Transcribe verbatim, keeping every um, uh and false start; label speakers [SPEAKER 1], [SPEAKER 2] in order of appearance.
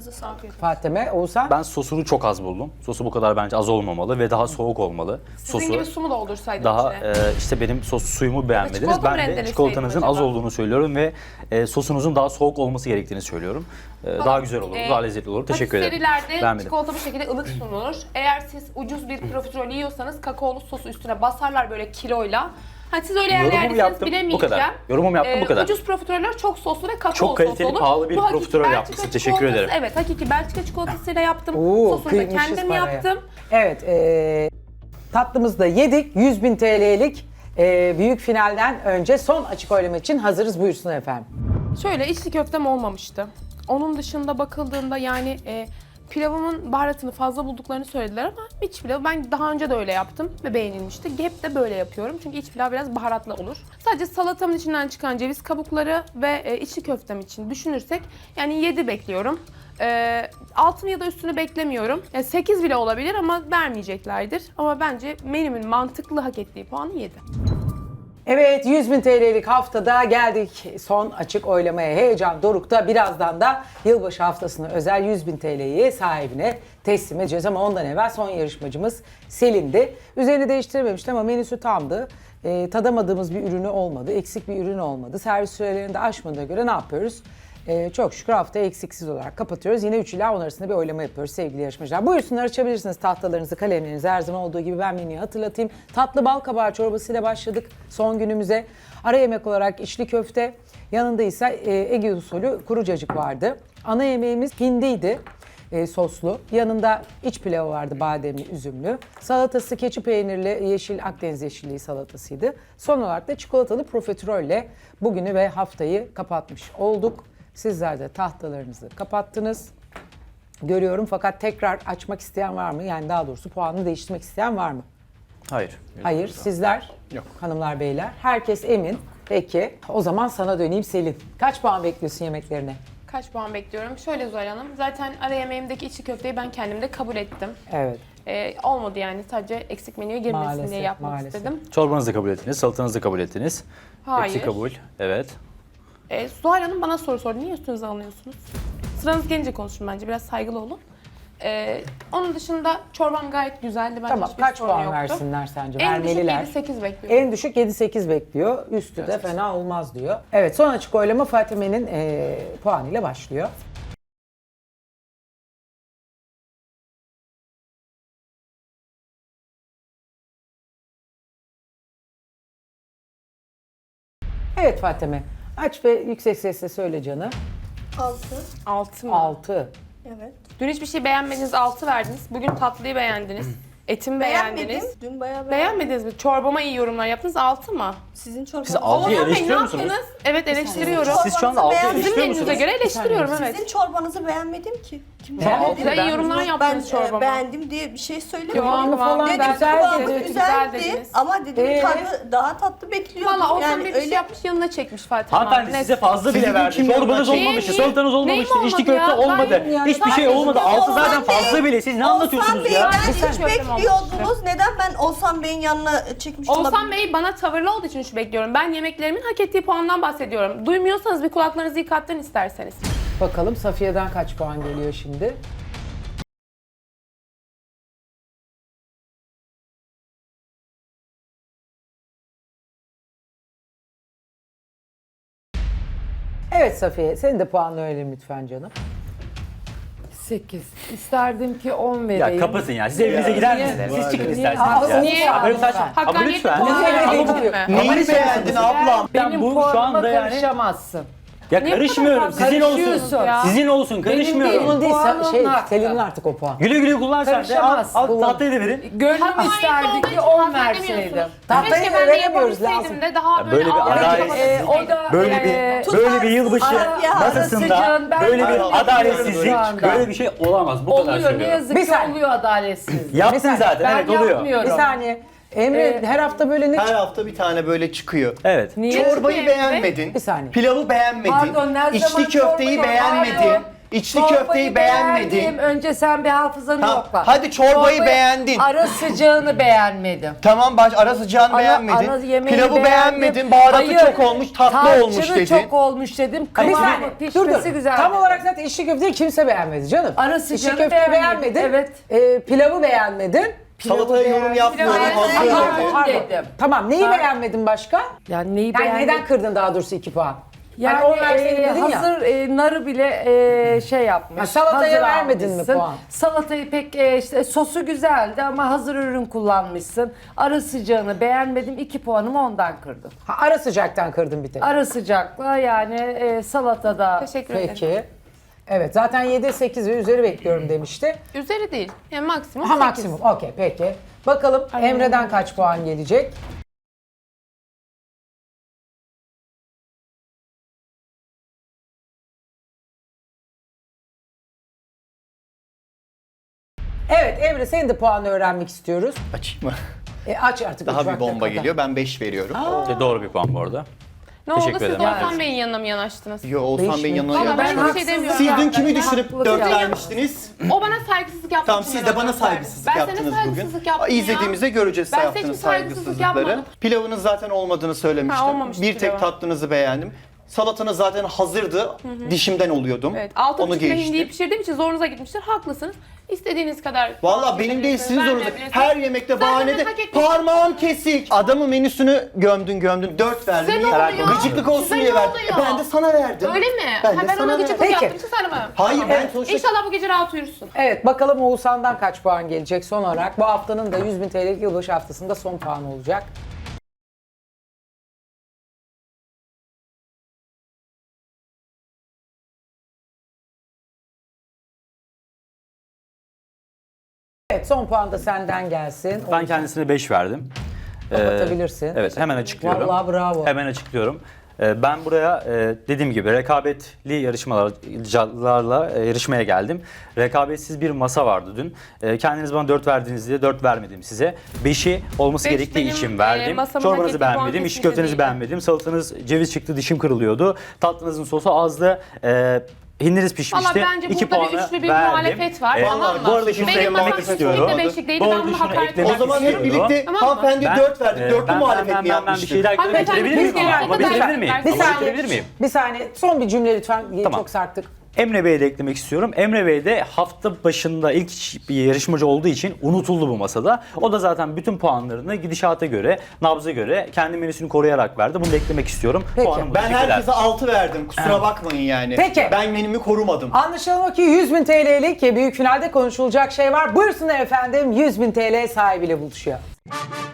[SPEAKER 1] Elinize sağlık.
[SPEAKER 2] Fatime, Oğuzhan.
[SPEAKER 3] Ben sosunu çok az buldum. Sosu bu kadar bence az olmamalı ve daha soğuk olmalı.
[SPEAKER 1] Sizin
[SPEAKER 3] Sosu
[SPEAKER 1] gibi su mu doldursaydın
[SPEAKER 3] daha
[SPEAKER 1] içine?
[SPEAKER 3] e, işte benim sos suyumu beğenmediniz.
[SPEAKER 1] çikolata mı
[SPEAKER 3] Ben de
[SPEAKER 1] rendeleseydin
[SPEAKER 3] çikolatanızın az
[SPEAKER 1] acaba?
[SPEAKER 3] olduğunu söylüyorum ve e, sosunuzun daha soğuk olması gerektiğini söylüyorum. E, daha güzel olur,
[SPEAKER 1] Ee,
[SPEAKER 3] daha lezzetli olur. Teşekkür ederim.
[SPEAKER 1] Patiserilerde
[SPEAKER 3] Beğenmedim.
[SPEAKER 1] çikolata bu şekilde ılık sunulur. Eğer siz ucuz bir profiterol yiyorsanız kakaolu sosu üstüne basarlar böyle kiloyla. Hani siz öyle
[SPEAKER 3] Yorumumu
[SPEAKER 1] yerlerdesiniz
[SPEAKER 3] yaptım, bu
[SPEAKER 1] bilemeyeceğim.
[SPEAKER 3] kadar. Yorumumu yaptım, bu kadar.
[SPEAKER 1] Ucuz profiteroller çok soslu ve kakaolu
[SPEAKER 3] Çok kaliteli,
[SPEAKER 1] sos olur.
[SPEAKER 3] pahalı bir
[SPEAKER 1] Bu hakiki
[SPEAKER 3] profiterol
[SPEAKER 1] Belçika
[SPEAKER 3] yapmışsın. Teşekkür
[SPEAKER 1] çikolatası-
[SPEAKER 3] ederim.
[SPEAKER 1] Evet, hakiki Belçika çikolatasıyla yaptım.
[SPEAKER 2] Oo,
[SPEAKER 1] Sosunu da
[SPEAKER 2] kıymışız
[SPEAKER 1] kendim
[SPEAKER 2] paraya.
[SPEAKER 1] yaptım.
[SPEAKER 2] Evet, e, tatlımızı da yedik. yüz bin T L'lik e, büyük finalden önce son açık oylama için hazırız. Buyursun efendim.
[SPEAKER 1] Şöyle içli köftem olmamıştı. Onun dışında bakıldığında yani e, pilavımın baharatını fazla bulduklarını söylediler ama iç pilavı ben daha önce de öyle yaptım ve beğenilmişti. Hep de böyle yapıyorum çünkü iç pilav biraz baharatlı olur. Sadece salatamın içinden çıkan ceviz kabukları ve e, içli köftem için düşünürsek yani yedi bekliyorum. E, altını ya da üstünü beklemiyorum. Yani sekiz bile olabilir ama vermeyeceklerdir. Ama bence menümün mantıklı hak ettiği puanı yedi.
[SPEAKER 2] Evet, yüz bin T L'lik haftada geldik son açık oylamaya. Heyecan dorukta. Birazdan da yılbaşı haftasına özel yüz bin T L'yi sahibine teslim edeceğiz. Ama ondan evvel son yarışmacımız Selin'di. Üzerini değiştirmemişti ama menüsü tamdı. Ee, tadamadığımız bir ürünü olmadı, eksik bir ürün olmadı. Servis sürelerini de aşmadığına göre ne yapıyoruz? Ee, çok şükür haftayı eksiksiz olarak kapatıyoruz. Yine üç ila on arasında bir oylama yapıyoruz sevgili yarışmacılar. Buyursunlar, açabilirsiniz tahtalarınızı, kalemlerinizi. Her zaman olduğu gibi ben menüyü hatırlatayım. Tatlı bal kabağı çorbasıyla başladık son günümüze. Ara yemek olarak içli köfte, yanında ise e, Ege usulü kuru cacık vardı. Ana yemeğimiz hindiydi. E, soslu. Yanında iç pilavı vardı, bademli, üzümlü. Salatası keçi peynirli, yeşil Akdeniz yeşilliği salatasıydı. Son olarak da çikolatalı profiterolle bugünü ve haftayı kapatmış olduk. Sizler de tahtalarınızı kapattınız. Görüyorum fakat tekrar açmak isteyen var mı? Yani daha doğrusu puanını değiştirmek isteyen var mı?
[SPEAKER 3] Hayır.
[SPEAKER 2] Hayır. Sizler?
[SPEAKER 3] Yok.
[SPEAKER 2] Hanımlar, beyler. Herkes emin. Peki. O zaman sana döneyim Selin. Kaç puan bekliyorsun yemeklerine?
[SPEAKER 1] Kaç puan bekliyorum? Şöyle Zuhal Hanım, zaten ara yemeğimdeki içli köfteyi ben kendim de kabul ettim.
[SPEAKER 2] Evet.
[SPEAKER 1] Ee, olmadı yani, sadece eksik menüye girmesin
[SPEAKER 2] Maalesef,
[SPEAKER 1] diye yapmak
[SPEAKER 2] maalesef.
[SPEAKER 1] istedim.
[SPEAKER 3] Çorbanızı da kabul ettiniz, salatanızı da kabul ettiniz.
[SPEAKER 1] Hayır.
[SPEAKER 3] Hepsi kabul. Evet.
[SPEAKER 1] Ee, Zuhal Hanım bana soru sordu, niye üstünüze alınıyorsunuz? Sıranız gelince konuşun bence, biraz saygılı olun. Ee, onun dışında çorbam gayet güzeldi, bence
[SPEAKER 2] Tamam.
[SPEAKER 1] hiçbir
[SPEAKER 2] Kaç
[SPEAKER 1] sorun
[SPEAKER 2] puan
[SPEAKER 1] yoktu.
[SPEAKER 2] versinler sence?
[SPEAKER 1] En düşük
[SPEAKER 2] Vermeliler.
[SPEAKER 1] yedi sekiz bekliyorum.
[SPEAKER 2] En düşük yedi sekiz bekliyor. Üstü de fena olmaz diyor. Evet, son açık oylama Fatime'nin eee puanıyla başlıyor. Evet Fatime, aç ve yüksek sesle söyle canım.
[SPEAKER 4] Altı.
[SPEAKER 1] altı mı?
[SPEAKER 2] altı.
[SPEAKER 4] Evet.
[SPEAKER 1] Dün hiçbir şey beğenmediniz, altı verdiniz. Bugün tatlıyı beğendiniz. Etimi beğendiniz.
[SPEAKER 4] Beğenmedim. Dün bayağı beğenmedim.
[SPEAKER 1] Beğenmediniz mi? Çorbama iyi yorumlar yaptınız, altı mı?
[SPEAKER 4] Sizin çorbanız.
[SPEAKER 3] Siz altıyı
[SPEAKER 1] Oğuzhan Bey,
[SPEAKER 3] eleştiriyor
[SPEAKER 1] ne
[SPEAKER 3] musunuz?
[SPEAKER 1] yaptınız? Evet, eleştiriyorum.
[SPEAKER 3] Siz şu anda altı
[SPEAKER 4] Beğendim.
[SPEAKER 1] Sizin
[SPEAKER 3] eleştiriyor
[SPEAKER 1] menünüze
[SPEAKER 3] musunuz?
[SPEAKER 1] göre eleştiriyorum, evet.
[SPEAKER 4] Sizin çorbanızı beğenmedim ki. Kim
[SPEAKER 2] Tamam,
[SPEAKER 4] beğendi?
[SPEAKER 2] altıyı
[SPEAKER 1] Güzel yorumlar
[SPEAKER 4] Ben
[SPEAKER 1] yaptınız
[SPEAKER 4] e,
[SPEAKER 1] çorbama.
[SPEAKER 4] beğendim diye bir şey söylemiyorum.
[SPEAKER 2] Kıvamı falan
[SPEAKER 4] Dedim
[SPEAKER 2] ben
[SPEAKER 4] kıvamı
[SPEAKER 2] güzel
[SPEAKER 4] güzeldi
[SPEAKER 1] dedim. dediniz.
[SPEAKER 4] ama dedim
[SPEAKER 2] Ee?
[SPEAKER 4] tadı daha tatlı bekliyordum.
[SPEAKER 1] Valla Oğuzhan
[SPEAKER 4] yani
[SPEAKER 1] Bey bir şey
[SPEAKER 4] öyle
[SPEAKER 1] yapmış, yanına çekmiş Fatih.
[SPEAKER 3] Hanımefendi size fazla bile
[SPEAKER 5] Sizin
[SPEAKER 3] verdi.
[SPEAKER 5] kim
[SPEAKER 3] Çorbanız
[SPEAKER 5] yanına
[SPEAKER 3] olmamıştı,
[SPEAKER 1] çekti?
[SPEAKER 3] salatanız
[SPEAKER 1] Neyim
[SPEAKER 3] olmamıştı,
[SPEAKER 1] olmadı
[SPEAKER 3] içli köfte
[SPEAKER 1] ya?
[SPEAKER 3] olmadı.
[SPEAKER 1] Gayet yani.
[SPEAKER 3] Hiçbir şey
[SPEAKER 4] Sadece
[SPEAKER 3] olmadı. Altı
[SPEAKER 4] Oğuzhan
[SPEAKER 3] zaten
[SPEAKER 4] Bey-
[SPEAKER 3] fazla bile. Siz ne
[SPEAKER 4] Oğuzhan
[SPEAKER 3] anlatıyorsunuz
[SPEAKER 4] Bey,
[SPEAKER 3] ya?
[SPEAKER 4] ben
[SPEAKER 1] Hiç
[SPEAKER 4] üç
[SPEAKER 1] köftem
[SPEAKER 4] bekliyordunuz. Neden ben Oğuzhan Bey'in yanına çekmiş
[SPEAKER 1] Oğuzhan
[SPEAKER 4] olabilirim?
[SPEAKER 1] Bey bana tavırlı olduğu için üç bekliyorum. Ben yemeklerimin hak ettiği puandan bahsediyorum. Duymuyorsanız bir kulaklarınızı yıkatın isterseniz.
[SPEAKER 2] Bakalım Safiye'den kaç puan geliyor şimdi? Evet Safiye, senin de puanını öğrenelim lütfen canım.
[SPEAKER 6] sekiz. İsterdim ki on
[SPEAKER 3] Ya
[SPEAKER 6] vereyim.
[SPEAKER 3] kapatın ya. Siz evinize gider
[SPEAKER 1] Niye?
[SPEAKER 3] misiniz? Siz çıkın
[SPEAKER 2] Aa,
[SPEAKER 3] isterseniz ya.
[SPEAKER 1] niye?
[SPEAKER 3] Ya böyle saçma. Ama
[SPEAKER 1] Hakkaniyetli
[SPEAKER 3] lütfen.
[SPEAKER 1] puan
[SPEAKER 2] Lütfen.
[SPEAKER 1] verebilir mi?
[SPEAKER 3] Neyi
[SPEAKER 5] Neyi beğendin ablam?
[SPEAKER 3] Ben
[SPEAKER 6] Benim
[SPEAKER 3] bu şu
[SPEAKER 6] puanıma
[SPEAKER 3] anda yani...
[SPEAKER 6] karışamazsın.
[SPEAKER 3] Ya
[SPEAKER 1] Niye bu
[SPEAKER 3] karışmıyorum.
[SPEAKER 1] kadar
[SPEAKER 3] Sizin olsun.
[SPEAKER 6] karışıyorsun
[SPEAKER 1] ya?
[SPEAKER 3] Sizin olsun. Karışmıyorum.
[SPEAKER 2] Onun değil,
[SPEAKER 6] Puanın
[SPEAKER 2] şey,
[SPEAKER 6] hakkı.
[SPEAKER 2] Selin'in artık o puan.
[SPEAKER 3] Güle güle kullan sen de. Al,
[SPEAKER 6] Karışamazsın.
[SPEAKER 3] al
[SPEAKER 2] Kullan.
[SPEAKER 3] tahtayı da verin.
[SPEAKER 6] Gönlüm
[SPEAKER 1] Hakkaniyetli
[SPEAKER 6] isterdi
[SPEAKER 1] olduğu
[SPEAKER 6] ki
[SPEAKER 1] için
[SPEAKER 6] on
[SPEAKER 1] hazmedemiyorsunuz.
[SPEAKER 6] verseydim.
[SPEAKER 2] Tahtayı
[SPEAKER 1] Keşke ben de
[SPEAKER 2] veremiyoruz,
[SPEAKER 1] yapabilseydim
[SPEAKER 2] lazım.
[SPEAKER 1] de daha
[SPEAKER 3] Ya
[SPEAKER 1] böyle,
[SPEAKER 3] böyle bir
[SPEAKER 1] ağır
[SPEAKER 3] adalet-
[SPEAKER 1] yapabilseydim.
[SPEAKER 6] Ee, o da
[SPEAKER 3] Böyle
[SPEAKER 6] e,
[SPEAKER 3] bir böyle bir yılbaşı
[SPEAKER 4] Tutarsız ya,
[SPEAKER 3] masasında
[SPEAKER 6] arasıcığın ben
[SPEAKER 3] böyle bir
[SPEAKER 6] anlıyorum
[SPEAKER 3] adaletsizlik,
[SPEAKER 6] şu anda.
[SPEAKER 3] böyle bir şey olamaz. Bu kadar
[SPEAKER 6] oluyor. Ne
[SPEAKER 3] söylüyorum.
[SPEAKER 6] yazık
[SPEAKER 2] Bir
[SPEAKER 6] ki
[SPEAKER 2] saniye.
[SPEAKER 6] oluyor adaletsizlik.
[SPEAKER 3] Yaptın zaten.
[SPEAKER 6] Ben
[SPEAKER 3] Evet oluyor.
[SPEAKER 6] yapmıyorum.
[SPEAKER 2] Bir saniye. Emre
[SPEAKER 6] Ee,
[SPEAKER 2] her hafta böyle ne
[SPEAKER 5] Her
[SPEAKER 2] çık-
[SPEAKER 5] hafta bir tane böyle çıkıyor.
[SPEAKER 3] Evet.
[SPEAKER 6] Niye?
[SPEAKER 5] Çorbayı
[SPEAKER 1] çıkıyor
[SPEAKER 5] beğenmedin.
[SPEAKER 2] Bir saniye.
[SPEAKER 5] Pilavı beğenmedin.
[SPEAKER 6] Pardon, her
[SPEAKER 5] içli
[SPEAKER 6] zaman
[SPEAKER 5] köfteyi
[SPEAKER 6] çorba-
[SPEAKER 5] beğenmedin.
[SPEAKER 6] Pardon.
[SPEAKER 5] İçli
[SPEAKER 6] Çorbayı
[SPEAKER 5] köfteyi
[SPEAKER 6] beğendim.
[SPEAKER 5] beğenmedin.
[SPEAKER 6] Önce sen bir hafızanı
[SPEAKER 5] Tamam,
[SPEAKER 6] yokla.
[SPEAKER 5] hadi çorbayı beğendin.
[SPEAKER 6] Ara sıcağını beğenmedim.
[SPEAKER 5] Tamam baş ara sıcağını
[SPEAKER 6] Ana-
[SPEAKER 5] beğenmedin.
[SPEAKER 6] ana yemeği
[SPEAKER 5] Pilavı
[SPEAKER 6] beğendim.
[SPEAKER 5] beğenmedin. Baharatı
[SPEAKER 6] Hayır,
[SPEAKER 5] çok olmuş, tatlı
[SPEAKER 6] tarçını
[SPEAKER 5] olmuş dedin.
[SPEAKER 6] çok olmuş dedim.
[SPEAKER 2] Bir
[SPEAKER 6] Kıvamı
[SPEAKER 2] saniye, dur
[SPEAKER 6] pişmesi
[SPEAKER 2] dur.
[SPEAKER 6] güzel.
[SPEAKER 2] Tam olarak zaten içli köfteyi kimse beğenmedi canım.
[SPEAKER 6] Ara
[SPEAKER 2] İçli
[SPEAKER 6] sıcağını
[SPEAKER 2] köfteyi
[SPEAKER 6] beğenmedim,
[SPEAKER 2] beğenmedin.
[SPEAKER 6] evet.
[SPEAKER 2] Ee, pilavı beğenmedin.
[SPEAKER 5] Salataya yorum yapmıyorum.
[SPEAKER 1] Pilavı
[SPEAKER 5] Hazır
[SPEAKER 1] beğenmedim.
[SPEAKER 5] dedi.
[SPEAKER 6] Pardon. dedim.
[SPEAKER 2] Tamam, neyi
[SPEAKER 6] Ha.
[SPEAKER 2] beğenmedin başka?
[SPEAKER 6] Yani neyi
[SPEAKER 2] Yani
[SPEAKER 6] beğendim?
[SPEAKER 2] neden kırdın daha doğrusu iki puan?
[SPEAKER 6] Yani
[SPEAKER 2] Hani on verseydin
[SPEAKER 6] e,
[SPEAKER 2] dedin ya.
[SPEAKER 6] hazır e, narı bile e, şey yapmış.
[SPEAKER 2] Ha, salataya
[SPEAKER 6] hazır
[SPEAKER 2] vermedin mi
[SPEAKER 6] almışsın.
[SPEAKER 2] puan?
[SPEAKER 6] Salatayı pek e, işte sosu güzeldi ama hazır ürün kullanmışsın. Ara sıcağını beğenmedim. iki puanımı ondan kırdım.
[SPEAKER 2] Ha, ara sıcaktan kırdın bir tek.
[SPEAKER 6] Ara sıcakla yani e, salatada.
[SPEAKER 1] Teşekkür ederim.
[SPEAKER 2] Peki. Evet, zaten yedi, sekiz ve üzeri bekliyorum demişti.
[SPEAKER 1] Üzeri değil. Yani maksimum
[SPEAKER 2] Ha
[SPEAKER 1] sekiz.
[SPEAKER 2] maksimum. Okey, peki. Bakalım
[SPEAKER 1] Ay,
[SPEAKER 2] Emre'den kaç puan gelecek? Evet Emre, senin de puanını öğrenmek istiyoruz.
[SPEAKER 5] Açayım mı?
[SPEAKER 2] E, aç artık.
[SPEAKER 5] Daha
[SPEAKER 2] üç
[SPEAKER 5] bir
[SPEAKER 2] vakte
[SPEAKER 5] bomba
[SPEAKER 2] kadar.
[SPEAKER 5] geliyor. Ben beş veriyorum.
[SPEAKER 3] E, doğru bir puan bu arada.
[SPEAKER 1] Ne oldu?
[SPEAKER 3] Teşekkür
[SPEAKER 1] Siz
[SPEAKER 3] ederim.
[SPEAKER 1] Oğuzhan
[SPEAKER 6] Yani.
[SPEAKER 1] Bey'in yanına mı yanaştınız?
[SPEAKER 5] Yo Oğuzhan
[SPEAKER 2] Beş
[SPEAKER 5] Bey'in
[SPEAKER 2] mi?
[SPEAKER 5] yanına
[SPEAKER 1] Valla ben
[SPEAKER 5] gelmiştim.
[SPEAKER 1] bir şey demiyorum.
[SPEAKER 5] Siz dün
[SPEAKER 1] zaten.
[SPEAKER 5] kimi düşürüp
[SPEAKER 6] Haklılık
[SPEAKER 5] dört
[SPEAKER 6] yani.
[SPEAKER 5] vermiştiniz?
[SPEAKER 1] O bana saygısızlık yaptı.
[SPEAKER 5] Tamam
[SPEAKER 1] için
[SPEAKER 5] siz
[SPEAKER 1] ben
[SPEAKER 5] de bana
[SPEAKER 1] ona
[SPEAKER 5] saygısızlık
[SPEAKER 1] Ben
[SPEAKER 5] yaptınız
[SPEAKER 1] sana saygısızlık
[SPEAKER 5] bugün.
[SPEAKER 1] yaptım ya.
[SPEAKER 5] İzlediğimizde göreceğiz
[SPEAKER 1] Ben
[SPEAKER 5] size
[SPEAKER 1] size hiçbir
[SPEAKER 5] yaptığınız
[SPEAKER 1] saygısızlık
[SPEAKER 5] saygısızlıkları.
[SPEAKER 1] yapmadım.
[SPEAKER 5] Pilavınız zaten olmadığını söylemiştim.
[SPEAKER 1] Ha, olmamıştı
[SPEAKER 5] bir tek
[SPEAKER 1] pilavı.
[SPEAKER 5] tatlınızı beğendim. Salatanız zaten hazırdı. Dişimden oluyordum.
[SPEAKER 1] Evet, altı
[SPEAKER 5] Onu
[SPEAKER 1] buçukta hindiyi
[SPEAKER 5] geçtim.
[SPEAKER 1] pişirdiğim için zorunuza gitmiştir. Haklısınız. İstediğiniz kadar.
[SPEAKER 5] Valla benim değil sizin zorunuz.
[SPEAKER 1] Vermeyebilirsiniz.
[SPEAKER 5] Her yemekte
[SPEAKER 1] Zaten
[SPEAKER 5] bahanede
[SPEAKER 1] hak etmiş-
[SPEAKER 5] parmağım kesik. Adamın menüsünü gömdün gömdün. Dört verdim.
[SPEAKER 1] Size ne
[SPEAKER 5] Niye?
[SPEAKER 1] oluyor?
[SPEAKER 5] Gıcıklık olsun
[SPEAKER 1] Size
[SPEAKER 5] diye
[SPEAKER 1] ne
[SPEAKER 5] verdim.
[SPEAKER 1] oluyor?
[SPEAKER 5] E ben de sana verdim.
[SPEAKER 1] Öyle mi?
[SPEAKER 5] Ben
[SPEAKER 1] ha,
[SPEAKER 5] de
[SPEAKER 1] ben
[SPEAKER 5] sana
[SPEAKER 1] ona
[SPEAKER 5] verdim.
[SPEAKER 1] gıcıklık
[SPEAKER 2] Peki.
[SPEAKER 1] yaptım. Siz sana mı?
[SPEAKER 5] Hayır ben sonuçta...
[SPEAKER 1] İnşallah bu gece rahat uyursun.
[SPEAKER 2] Evet, bakalım Oğuzhan'dan kaç puan gelecek son olarak. Bu haftanın da yüz bin T L'lik yılbaşı haftasında son puan olacak. Evet, son puan da senden gelsin.
[SPEAKER 3] Ben kendisine beş verdim. Ee,
[SPEAKER 2] Kapatabilirsin.
[SPEAKER 3] Evet, hemen açıklıyorum.
[SPEAKER 2] Vallahi bravo.
[SPEAKER 3] Hemen açıklıyorum. Ee, Ben buraya e, dediğim gibi rekabetli yarışmalarla e, yarışmaya geldim. Rekabetsiz bir masa vardı dün. E, Kendiniz bana dört verdiğinizde dört vermedim size. beşi olması
[SPEAKER 1] Beş
[SPEAKER 3] gerektiği
[SPEAKER 1] benim,
[SPEAKER 3] için
[SPEAKER 1] e,
[SPEAKER 3] verdim.
[SPEAKER 1] masamın hak
[SPEAKER 3] Çorbanızı
[SPEAKER 1] ettiği puan
[SPEAKER 3] beğenmedim, iç
[SPEAKER 1] kesinlikle
[SPEAKER 3] köftenizi
[SPEAKER 1] değildi.
[SPEAKER 3] beğenmedim. Salatanız ceviz çıktı, dişim kırılıyordu. Tatlınızın sosu azdı. E, Hindiniz pişmişti.
[SPEAKER 1] Valla bence
[SPEAKER 3] İki
[SPEAKER 1] burada bir
[SPEAKER 3] puanı
[SPEAKER 1] üçlü bir
[SPEAKER 3] verdim.
[SPEAKER 1] muhalefet var.
[SPEAKER 3] E,
[SPEAKER 1] Tamam mı?
[SPEAKER 3] Bu arada şunu
[SPEAKER 1] Benim
[SPEAKER 3] eklemek
[SPEAKER 1] masam
[SPEAKER 3] istiyorum.
[SPEAKER 1] kesinlikle beşlik değildi.
[SPEAKER 3] Bu
[SPEAKER 1] Ben
[SPEAKER 3] arada
[SPEAKER 1] bunu
[SPEAKER 3] şunu
[SPEAKER 1] hakaret
[SPEAKER 3] eklemek
[SPEAKER 5] O zaman hep
[SPEAKER 3] istiyorum.
[SPEAKER 5] birlikte
[SPEAKER 1] Tamam mı?
[SPEAKER 5] hanımefendi
[SPEAKER 3] Ben-
[SPEAKER 5] dört verdi.
[SPEAKER 3] e,
[SPEAKER 5] Dörtlü
[SPEAKER 3] ben-
[SPEAKER 5] muhalefet
[SPEAKER 3] ben-
[SPEAKER 5] mi
[SPEAKER 3] ben- Ben bir
[SPEAKER 5] yapmıştık?
[SPEAKER 3] şeyler
[SPEAKER 1] Hanımefendi,
[SPEAKER 3] bitirebilir miyim?
[SPEAKER 1] biz
[SPEAKER 3] ama? Ama
[SPEAKER 1] genelde
[SPEAKER 3] bitirebilir
[SPEAKER 1] ben-
[SPEAKER 3] miyim?
[SPEAKER 1] Bir
[SPEAKER 3] Ama
[SPEAKER 2] saniye.
[SPEAKER 3] bitirebilir miyim?
[SPEAKER 2] Bir saniye, son bir cümle lütfen.
[SPEAKER 3] Tamam.
[SPEAKER 2] Çok sarktık.
[SPEAKER 3] Emre Bey'e de eklemek istiyorum. Emre Bey de hafta başında ilk bir yarışmacı olduğu için unutuldu bu masada. O da zaten bütün puanlarını gidişata göre, nabza göre kendi menüsünü koruyarak verdi. Bunu da eklemek istiyorum.
[SPEAKER 2] Peki.
[SPEAKER 3] Puanım bu.
[SPEAKER 5] Ben
[SPEAKER 3] Teşekkürler.
[SPEAKER 5] herkese altı verdim. Kusura bakmayın yani.
[SPEAKER 2] Peki.
[SPEAKER 5] Ben menümü korumadım.
[SPEAKER 2] Anlaşılan o ki yüz bin T L'lik büyük finalde konuşulacak şey var. Buyursunlar efendim, yüz bin T L sahibiyle buluşuyor.